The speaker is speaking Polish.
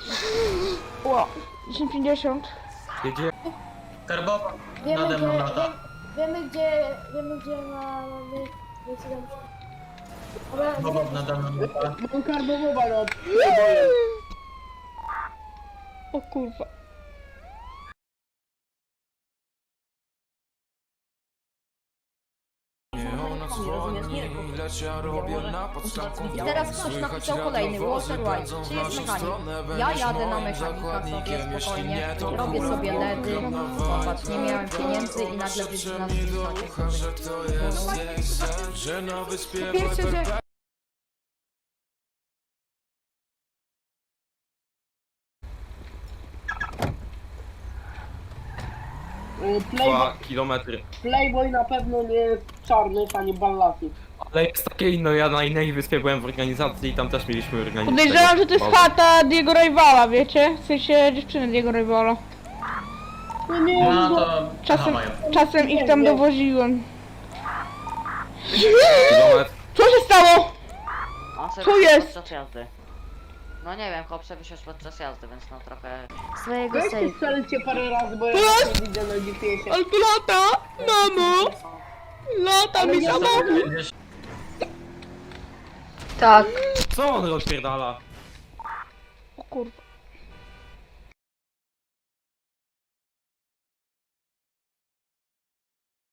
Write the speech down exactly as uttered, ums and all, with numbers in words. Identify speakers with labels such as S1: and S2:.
S1: Ło, dziesięć pięćdziesiąt.
S2: Jedzie.
S3: Karbowa
S4: Wiemy
S3: nade
S4: gdzie,
S3: mną lata.
S4: wiem, wiemy gdzie, wiemy gdzie mamy decydent. Ale
S3: Bobow nade mną lata.
S5: Mam karbowowa no.
S1: O kurwa.
S6: I teraz ktoś napisał kolejny, Walter White, czy jest mechanik? Ja jadę na mechanika sobie spokojnie, robię sobie ledy, zobacz, nie miałem pieniędzy i nagle wyjdzie nas
S1: Pierwsze, że...
S5: Playboy,
S2: Dwa kilometry.
S5: Playboy na pewno nie jest czarny, ani ballasy.
S2: Ale jest takie inno, ja na innej wyspie byłem w organizacji i tam też mieliśmy organizację.
S1: Podejrzewam, że to jest chata Diego Rivala, wiecie? W sensie dziewczyny Diego Rivala.
S5: No nie,
S3: No
S5: no,
S3: to
S1: Czasem,
S3: mają.
S1: czasem ich tam
S5: Nie, nie.
S1: dowoziłem.
S2: Kilometr.
S1: Co się stało?
S7: On sobie
S1: Co
S7: wysiadł
S1: jest?
S7: podczas jazdy. No nie wiem, chłop sobie wysiadł podczas jazdy, więc no trochę...
S6: swojego
S5: weźcie
S6: sejfu.
S5: strzelcie parę razy, bo ja
S1: Jest!
S5: nie widzę na G P S-ie.
S1: Ale tu lata! Mamo! Lata mi
S5: ja
S1: samochód!
S3: Gdzieś
S6: Tak.
S2: Co on rozpierdala?
S1: O kurwa.